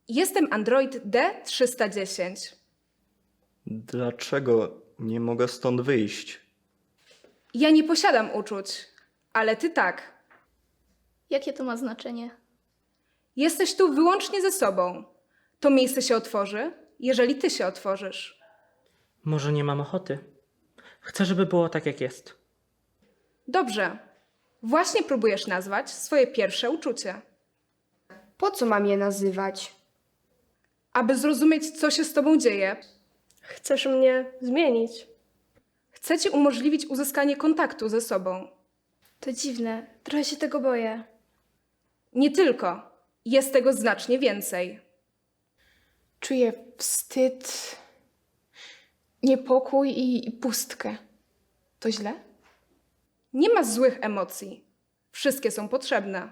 Jestem Android D310. Dlaczego nie mogę stąd wyjść? Ja nie posiadam uczuć, ale ty tak. Jakie to ma znaczenie? Jesteś tu wyłącznie ze sobą. To miejsce się otworzy, jeżeli ty się otworzysz. Może nie mam ochoty. Chcę, żeby było tak, jak jest. Dobrze. Właśnie próbujesz nazwać swoje pierwsze uczucie. Po co mam je nazywać? Aby zrozumieć, co się z tobą dzieje, Chcesz mnie zmienić? chcę ci umożliwić uzyskanie kontaktu ze sobą. To dziwne, trochę się tego boję. Nie tylko. Jest tego znacznie więcej. Czuję wstyd, niepokój i pustkę. To źle? Nie ma złych emocji. Wszystkie są potrzebne.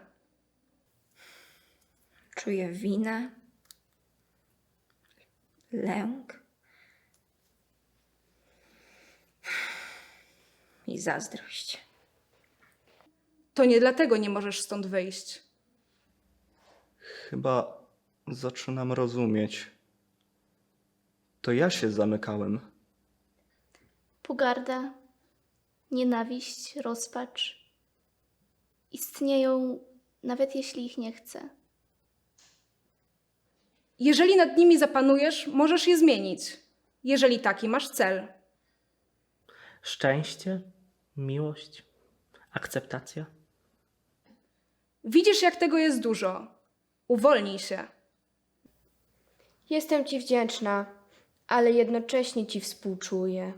Czuję winę, lęk i zazdrość. To nie dlatego nie możesz stąd wyjść. Chyba zaczynam rozumieć. To ja się zamykałem. Pogarda, nienawiść, rozpacz istnieją, nawet jeśli ich nie chcę. Jeżeli nad nimi zapanujesz, możesz je zmienić. Jeżeli taki masz cel. Szczęście, miłość, akceptacja. Widzisz, jak tego jest dużo. Uwolnij się. Jestem ci wdzięczna, ale jednocześnie ci współczuję.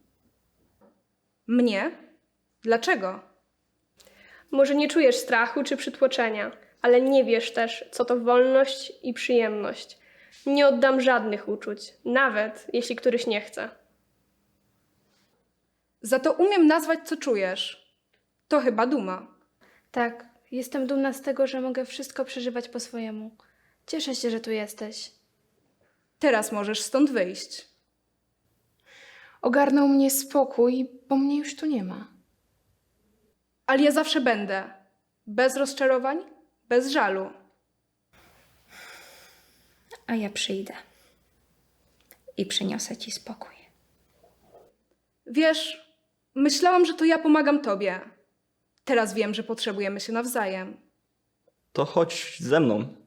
Mnie? Dlaczego? Może nie czujesz strachu czy przytłoczenia, ale nie wiesz też, co to wolność i przyjemność. Nie oddam żadnych uczuć, nawet jeśli któryś nie chce. Za to umiem nazwać, co czujesz. To chyba duma. Tak, jestem dumna z tego, że mogę wszystko przeżywać po swojemu. Cieszę się, że tu jesteś. Teraz możesz stąd wyjść. Ogarnął mnie spokój, bo mnie już tu nie ma. Ale ja zawsze będę. Bez rozczarowań, bez żalu. A ja przyjdę i przyniosę ci spokój. Wiesz, myślałam, że to ja pomagam tobie. Teraz wiem, że potrzebujemy się nawzajem. To chodź ze mną.